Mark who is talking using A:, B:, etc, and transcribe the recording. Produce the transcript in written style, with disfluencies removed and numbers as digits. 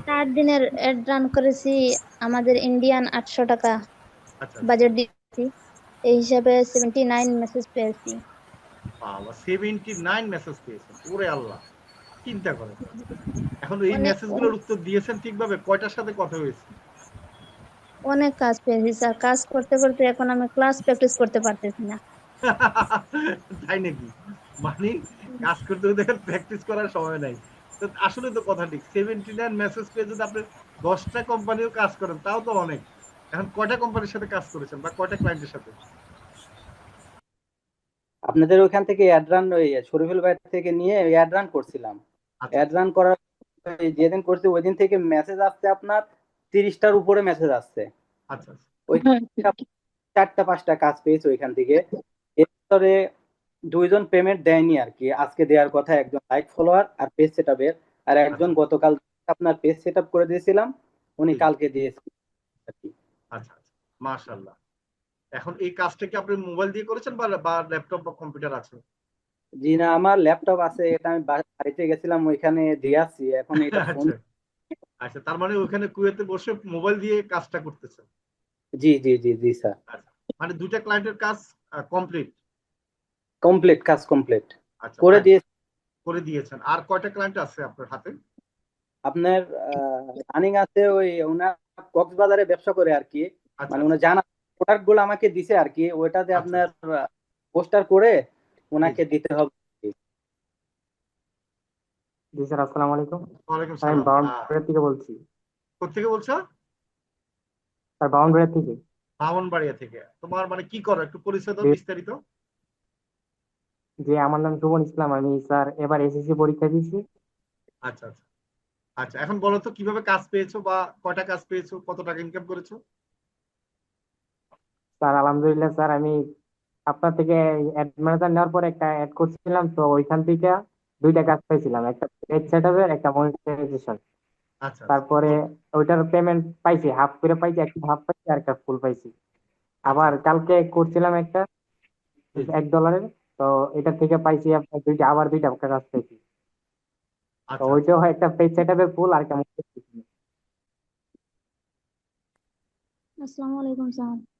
A: 4 দিনের add run করেছি, আমাদের ইন্ডিয়ান 800 টাকা
B: আচ্ছা আচ্ছা।
A: বাজেট দিয়েছি। এই হিসাবে 79 মেসেজ পেয়েছি।
B: বাবা, 79 মেসেজ পেয়েছেন, ওরে আল্লাহ! চিন্তা করেন। এখন এই
A: অনেক
B: মেসেজগুলোর উত্তর দিয়েছেন ঠিকভাবে? কয়টার সাথে কথা হয়েছে?
A: অনেক কাজ পেয়েছি স্যার, কাজ করতে করতে এখন আমি ক্লাস প্র্যাকটিস করতে পারতেছি না।
B: তাই নাকি? মানে কাজ করতে করতে এখন প্র্যাকটিস করার সময় নাই। তো আসলে তো কথা ঠিক। 79 মেসেজ পেয়ে যদি আপনি 10টা কোম্পানিও কাজ করেন তাও তো অনেক। এখন কয়টা কোম্পানির সাথে কাজ করেছেন বা কয়টা ক্লায়েন্টের সাথে?
C: আপনাদের ওইখান থেকে অ্যাড রান ওই শরীফুল ভাই থেকে নিয়ে অ্যাড রান করছিলাম।
B: আচ্ছা
C: অ্যাড
B: আচ্ছা
C: রান করার ওই যেদিন করছি ওই দিন থেকে মেসেজ আসছে আপনার 30টার উপরে মেসেজ আসছে।
B: আচ্ছা আচ্ছা।
C: ওই 4টা 5টা কাজ পেয়েছি ওইখান থেকে। এর ভিতরে দুইজন পেমেন্ট দেয়নি আর কি, আজকে দেওয়ার কথা, একজন লাইক ফলোয়ার আর পেজ সেট আপের, আর একজন
B: আচ্ছা
C: গতকাল আপনার পেজ সেট আপ করে দিয়েছিলাম, উনি
B: জি জি।
C: কালকে দিয়েছেন আর কি।
B: আচ্ছা আচ্ছা। মাশাআল্লাহ। এখন এই কাজটা কি আপনি মোবাইল দিয়ে করেছেন বা ল্যাপটপ বা কম্পিউটার আছে?
C: জি না, আমার ল্যাপটপ আছে, এটা আমি বাড়িতে গেছিলাম ওইখানে দিয়ে আসছি, এখন এটা ফোন।
B: আচ্ছা আচ্ছা, তার মানে ওখানে কুয়েতে বসে মোবাইল দিয়ে কাজটা করতেছেন।
C: জি জি জি জি স্যার।
B: আচ্ছা, মানে দুইটা ক্লায়েন্টের কাজ কমপ্লিট।
C: কমপ্লিট, কাজ কমপ্লিট
B: আচ্ছা,
C: করে
B: ফাইন।
C: দিয়ে।
B: করে দিয়েছেন। আর কয়টা ক্লায়েন্ট আছে আপনার হাতে?
C: আপনার রানিং আছে ওই ওনার কক্সবাজারে ব্যবসা করে আর কি,
B: আচ্ছা
C: মানে
B: আচ্ছা
C: ওনার জানা প্রোডাক্ট গুলো আমাকে দিছে আর কি, ওইটাতে
B: আচ্ছা
C: আপনার
B: আচ্ছা।
C: পোস্টার করে
B: জি
C: ওনাকে
B: জি।
C: দিতে হবে আর কি।
D: জি স্যার, আসসালামু আলাইকুম।
B: ওয়ালাইকুম
D: স্যার আমি
B: সালাম।
D: বাউন্ডারি থেকে বলছি।
B: কোথেকে বলছো?
D: স্যার বাউন্ডারি থেকে।
B: ব্রাহ্মণবাড়িয়া থেকে। তোমার মানে কি করো, একটু পরিচয় দাও
D: যে
B: বিস্তারিত।
D: যে আমার নাম সুমন ইসলাম, আমি স্যার এবার এসএসসি পরীক্ষা দিয়েছি।
B: আচ্ছা আচ্ছা। আচ্ছা, এখন বলো তো কিভাবে কাজ পেয়েছো বা কয়টা কাজ পেয়েছো, কত টাকা ইনকাম করেছো?
D: স্যার আলহামদুলিল্লাহ স্যার, আমি আপনার থেকে অ্যাড ম্যানেজার নেওয়ার পর একটা অ্যাড করছিলাম, তো ওইখান থেকে দুইটা কাজ পাইছিলাম, একটা পেজ সেটআপের, একটা মনিটাইজেশন।
B: আচ্ছা আচ্ছা।
D: তারপরে ওইটার পেমেন্ট পাইছি, হাফ করে পাইছি, একটা হাফ পাইছি আর একটা ফুল পাইছি।
B: আচ্ছা
D: আবার কালকে করছিলাম একটা
B: জি জি।
D: $1, তো এটা থেকে পাইছি আপনার দুইটা, আবার দুইটা কাজ পাইছি। তো
B: আচ্ছা আচ্ছা।
D: ওইটাও একটা পেজ সেটআপের ফুল আর একটা monetization।
A: আসসালামু আলাইকুম স্যার।